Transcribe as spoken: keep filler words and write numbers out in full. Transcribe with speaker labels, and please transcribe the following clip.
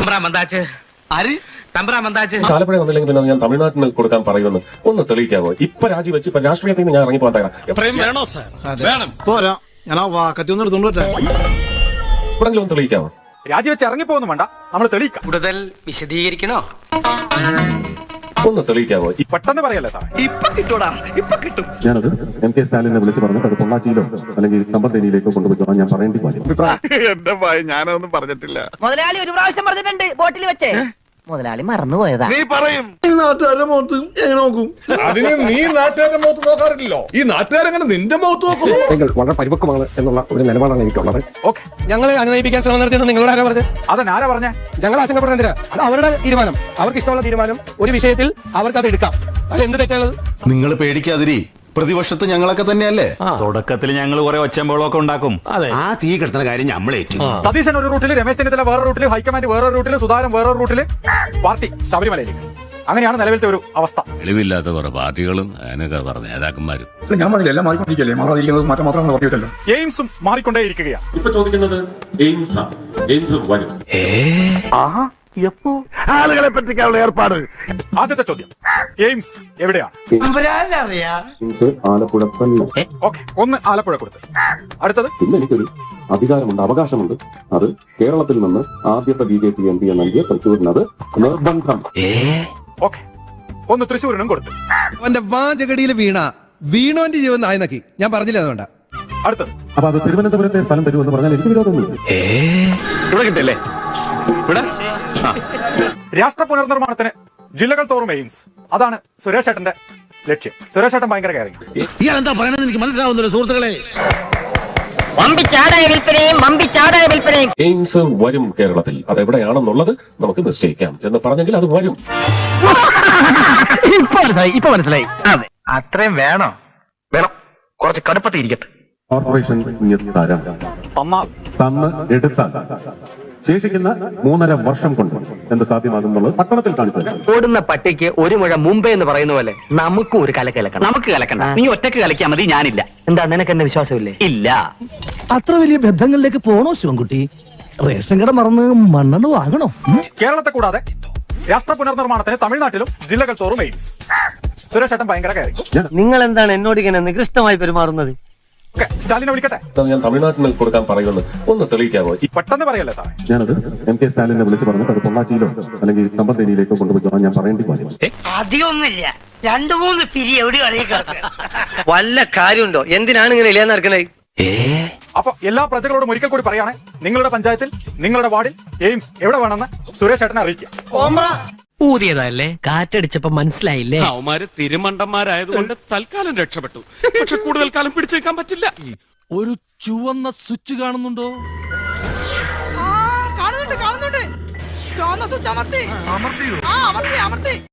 Speaker 1: ആലപ്പുഴ വന്നില്ലെങ്കിൽ പിന്നെ ഞാൻ തമിഴ്നാട്ടിന് കൊടുക്കാൻ പറയുമെന്ന് ഒന്ന് തെളിയിക്കാമോ? ഇപ്പൊ രാജിവെച്ച് ഇപ്പൊ രാഷ്ട്രീയത്തിൽ നിന്ന് ഞാൻ ഇറങ്ങി പോകാൻ തയ്യാറാണ്.
Speaker 2: പോരാ ഞാൻ ആ വാക്കത്തി ഒന്ന് എടുത്തോണ്ട്
Speaker 1: എപ്പോഴെങ്കിലും ഒന്ന് തെളിയിക്കാമോ?
Speaker 3: രാജിവെച്ച് ഇറങ്ങിപ്പോന്നും വേണ്ട, നമ്മൾ തെളിയിക്കാം.
Speaker 4: കൂടുതൽ വിശദീകരിക്കണോ?
Speaker 1: ഒന്ന് തെളിയിക്കാമോ?
Speaker 3: പെട്ടെന്ന് പറയല്ലേ സാർ.
Speaker 4: ഇപ്പൊ കിട്ടൂടാ, ഇപ്പൊ കിട്ടും.
Speaker 1: ഞാനത് എം കെ സ്റ്റാലിനെ വിളിച്ച് പറഞ്ഞിട്ട് അത് പൊള്ളാച്ചിയിലോ അല്ലെങ്കിൽ കമ്പത്തേനിയിലേക്കോ കൊണ്ടുപോയി ഞാൻ പറയേണ്ടി വരും.
Speaker 5: എന്റെ ഭയ ഞാനൊന്നും പറഞ്ഞിട്ടില്ല.
Speaker 6: മുതലാളി ഒരു പ്രാവശ്യം പറഞ്ഞിട്ടുണ്ട് ബോട്ടിൽ വെച്ചേ. മുതലാളി മറന്നുപോയതാ.
Speaker 5: നീ പറയും
Speaker 2: നാട്ടുകാരുടെ മുഖത്ത് എങ്ങനെ നോക്കും?
Speaker 7: അതിന് നീ നാട്ടുകാരുടെ മുഖത്ത് നോക്കാറില്ലല്ലോ, ഈ നാട്ടുകാരെങ്ങനെ നിന്റെ മുഖത്ത് നോക്കുന്നു?
Speaker 1: വളരെ പരിപക്വമാണ് എന്നുള്ള ഒരു നിലപാടാണ് എനിക്കുള്ളത്.
Speaker 3: ഓക്കെ,
Speaker 8: ഞങ്ങളെ അനുനയിപ്പിക്കാൻ ശ്രമം നടത്തിയെന്ന് നിങ്ങളോട് ആരാ പറഞ്ഞത്?
Speaker 3: അതെന്നാരാ പറഞ്ഞേ?
Speaker 8: ഞങ്ങൾ ആശങ്കപ്പെടുന്നില്ല, അത് അവരുടെ തീരുമാനം, അവർക്ക് ഇഷ്ടമുള്ള തീരുമാനം. ഒരു വിഷയത്തിൽ അവർക്ക് അത് എടുക്കാം, അത് എന്ത് തെറ്റാണത്?
Speaker 9: നിങ്ങൾ പേടിക്കാതിരി, പ്രതിപക്ഷത്ത് ഞങ്ങളൊക്കെ തന്നെയല്ലേ.
Speaker 10: തുടക്കത്തിൽ ഞങ്ങൾ കുറെ ഒച്ചമ്പോളൊക്കെ ഉണ്ടാക്കും.
Speaker 9: ആ തീ കിടത്തുന്ന കാര്യം നമ്മളേറ്റു.
Speaker 3: സതീശൻ ഒരു റൂട്ടിൽ, രമേശ് ചെന്നിത്തല വേറെ റൂട്ടിൽ, ഹൈക്കമാൻഡ് വേറെ റൂട്ടിൽ, സുധാകരൻ വേറെ റൂട്ടിൽ, പാർട്ടി ശബരിമലയിലേക്ക്. അങ്ങനെയാണ് നിലവിലത്തെ ഒരു അവസ്ഥ.
Speaker 11: വെളിവില്ലാത്ത കുറെ പാർട്ടികളും അതിനൊക്കെ പറഞ്ഞ നേതാക്കന്മാരും.
Speaker 7: ഞാൻ പറഞ്ഞില്ല, എല്ലാം മാറിക്കൊണ്ടിരിക്കല്ലേ, മാറാതിരിക്കുന്നത് മാറ്റം മാത്രമാണ് പറഞ്ഞിട്ടല്ലോ.
Speaker 3: എയിംസും മാറിക്കൊണ്ടേയിരിക്കുകയാണ്.
Speaker 1: ഇപ്പൊ ചോദിക്കുന്നത് എയിംസ് എയിംസ് വരും.
Speaker 5: ആളുകളെ പറ്റിക്കാനുള്ള ഏർപ്പാട്.
Speaker 3: ആദ്യത്തെ ചോദ്യം, എയിംസ് എവിടെയാണ്?
Speaker 1: എയിംസ് ആലപ്പുഴ തന്നെ.
Speaker 3: ഓക്കെ, ഒന്ന് ആലപ്പുഴ കൊടുത്ത്. അടുത്തത്,
Speaker 1: പിന്നെ എനിക്കൊരു അധികാരമുണ്ട്, അവകാശമുണ്ട്. അത് കേരളത്തിൽ നിന്ന് ആദ്യത്തെ B J P M P നൽകിയ തൃശ്ശൂരിനത് നിർബന്ധം.
Speaker 3: ഓക്കെ, ഒന്ന് തൃശ്ശൂരിനും കൊടുത്ത്.
Speaker 2: അവന്റെ വാചകടിയിൽ വീണ വീണോന്റെ ജീവൻ നായനക്കി ഞാൻ പറഞ്ഞില്ല, അതുകൊണ്ടാ.
Speaker 3: അടുത്തത്,
Speaker 1: അപ്പൊ അത് തിരുവനന്തപുരത്തെ സ്ഥലം തരുമെന്ന് പറഞ്ഞാൽ എനിക്ക് വിരോധമൊന്നുമില്ല.
Speaker 10: ഇവിടെ കിട്ടല്ലേ?
Speaker 3: രാഷ്ട്ര പുനർനിർമ്മാണത്തിന് ജില്ലകൾ തോറും എയിംസ്, അതാണ് സുരേഷ് ഏട്ടന്റെ ലക്ഷ്യം. സുരേഷ് ഏട്ടൻ ഭയങ്കര കയറി.
Speaker 5: ഇയാളെന്താ പറയണെന്ന് എനിക്ക് മനസ്സിലാവുന്നില്ല സുഹൃത്തുക്കളെ.
Speaker 6: മമ്പിച്ചാടായ വിൽപ്പനയും മമ്പിച്ചാടായ വിൽപ്പനയും.
Speaker 1: എയിംസ് വരും കേരളത്തിൽ, അതെവിടെയാണെന്നുള്ളത് നമുക്ക് നിശ്ചയിക്കാം എന്ന് പറഞ്ഞെങ്കിൽ അത് വരും.
Speaker 4: ഇപ്പൊ മനസ്സിലായി, ഇപ്പൊ മനസ്സിലായി. അതെ, അത്രയും വേണോ? വേണം, കുറച്ച് കടുപ്പത്തിരിക്കട്ടെ.
Speaker 1: കോർപ്പറേഷൻ തരം
Speaker 3: തന്നാൽ
Speaker 1: തന്ന് എടുത്താൽ ശേഷിക്കുന്ന മൂന്നര വർഷം കൊണ്ട് എന്ത് സാധ്യമാകുന്നുള്ളത് പട്ടണത്തിൽ കാണിച്ചത്.
Speaker 4: ഓടുന്ന പട്ടിക്ക് ഒരു മുഴ മുമ്പേ എന്ന് പറയുന്ന പോലെ നമുക്കും ഒരു കലക്ക് കലക്കണം. നമുക്ക് കലക്കണ്ട, നീ ഒറ്റക്ക് കലക്കിയാൽ മതി, ഞാനില്ല. എന്താ, നിനക്ക് എന്നെ വിശ്വാസമില്ലേ? ഇല്ല.
Speaker 8: അത്ര വലിയ ബന്ധങ്ങളിലേക്ക് പോണോ ശിവൻകുട്ടി? റേഷൻ കട മറന്ന് മണ്ണെണ്ണ വാങ്ങണോ?
Speaker 3: കേരളത്തെ കൂടാതെ രാഷ്ട്ര പുനർനിർമ്മാണത്തിന് തമിഴ്നാട്ടിലും ജില്ലകൾ തോറും എയിംസ്. സുരേഷ് ഏട്ടൻ ഭയങ്കര കയറി.
Speaker 4: നിങ്ങൾ എന്താണ് എന്നോട് ഇങ്ങനെ നികൃഷ്ടമായി പെരുമാറുന്നത്?
Speaker 3: ഓക്കെ, സ്റ്റാലിനെ വിളിക്കട്ടെ.
Speaker 1: ഞാൻ തമിഴ്നാട്ടിന് കൊടുക്കാൻ പറയുമെന്ന് ഒന്ന് തെളിയിക്കാമോ?
Speaker 3: പെട്ടെന്ന് പറയല്ലേ സാറേ.
Speaker 1: ഞാനത് എം കെ സ്റ്റാലിനെ വിളിച്ച് പറഞ്ഞിട്ട് അത് പൊള്ളാച്ചിയിലോ അല്ലെങ്കിൽ കമ്പത്തേനിയിലേക്കോ കൊണ്ടുപോയി ഞാൻ പറയേണ്ടി വരും.
Speaker 6: അധികമൊന്നുമില്ല, രണ്ടു മൂന്ന് പിരി എവിടെ
Speaker 4: വല്ല കാര്യമുണ്ടോ? എന്തിനാണ് ഇങ്ങനെ ഇല്ലാന്ന് നടക്കണേ?
Speaker 3: അപ്പൊ എല്ലാ പ്രജകളോടും ഒരിക്കൽ കൂടി പറയാണ്, നിങ്ങളുടെ പഞ്ചായത്തിൽ, നിങ്ങളുടെ വാർഡിൽ എയിംസ് എവിടെ വേണമെന്ന് സുരേഷ് ഏട്ടനെ അറിയിക്കാം.
Speaker 4: ഊതിയതല്ലേ, കാറ്റടിച്ചപ്പോ മനസ്സിലായില്ലേ?
Speaker 11: അവന്മാര് തിരുമണ്ടന്മാരായതുകൊണ്ട് തൽക്കാലം രക്ഷപ്പെട്ടു. പക്ഷെ കൂടുതൽ കാലം പിടിച്ചേക്കാൻ പറ്റില്ല.
Speaker 2: ഒരു ചുവന്ന സ്വിച്ച് കാണുന്നുണ്ടോ?
Speaker 6: കാണുന്നുണ്ട് കാണുന്നുണ്ട്. ചുവന്ന സ്വിച്ച് അമർത്തി അമർത്തി അമർത്തി